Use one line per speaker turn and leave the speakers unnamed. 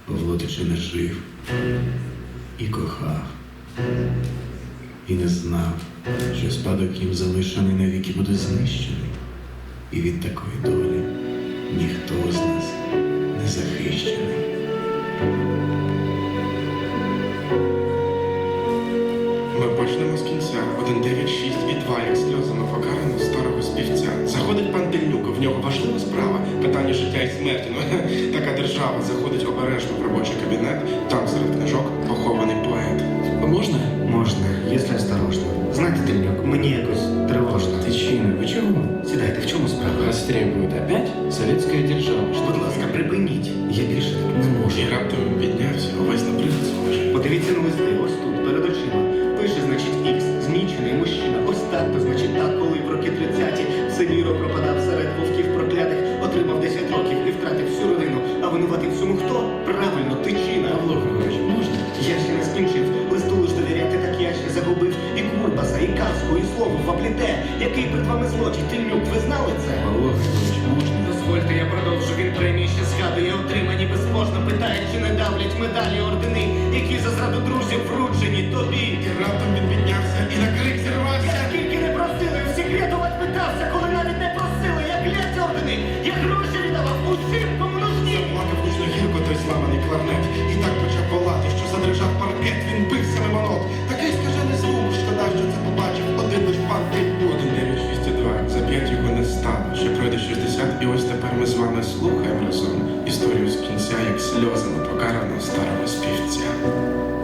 Павло Тичина жив і кохав, і не знав, що спадок їм залишений навіки буде знищений, і від такої долі ніхто з нас не захищений.
Ми почнемо з кінця. 1, 9, 6 і 2, як сльозами покарано старого співця. Заходить пан Тельнюк, в нього важлива справа. Питання життя і смерті. Ну, така держава. Заходить обережно в робочий кабінет. Там серед книжок похований поет.
Можна?
Можно, если осторожно. Знаете, Тельнюк, мне якось тривожно.
Тичина, ви чого?
Сідайте, в чому справа?
Вас требует опять советская держава.
Будь ласка, припиніть. Я більше так не можу.
І раптом він піднявся, увесь на привид схожий.
Подивіться на листи, ось тут, перед очима. Пише, значить, Ікс, змічений мужчина. Ось так, то значить так, коли в роки 30-ті Синіро пропадав серед вовків проклятих, отримав 10 років і втратив всю родину. А винуватий в цьому хто? Правильно, Тичина.
Павло Григорович, можна?
Я ще не скінчив, листу лиш довіряти, так я ще загубив і Курбаса, і казку, і слово вапліте. Який перед вами злочин, Тельнюк, ви знали це?
Павло Григорович, можна?
Дозвольте, я продовжу, він премії ще згадує, отримані безможно, питає, чи не давлять медалі ордени, які за зраду друзів вручені тобі.
І раптом він піднявся і на крик зірвався.
Я скільки не просили, всі рятувати питався, коли навіть не просили, як лять ордени, я гроші віддавав усім, кому нужні.
Заплакав гучно гірко той зламаний кларнет. І так почав волати, що задрижав паркет. Він бився мимо нот. Такий скажений звук, шкода, що це побачив один лиш пан Тельнюк. 1, 9, 6 і 2. За 5 його не стало. Ще пройде 60, і ось тепер ми з вами слухаємо разом історію з кінця, як сльозами покарано старого співця.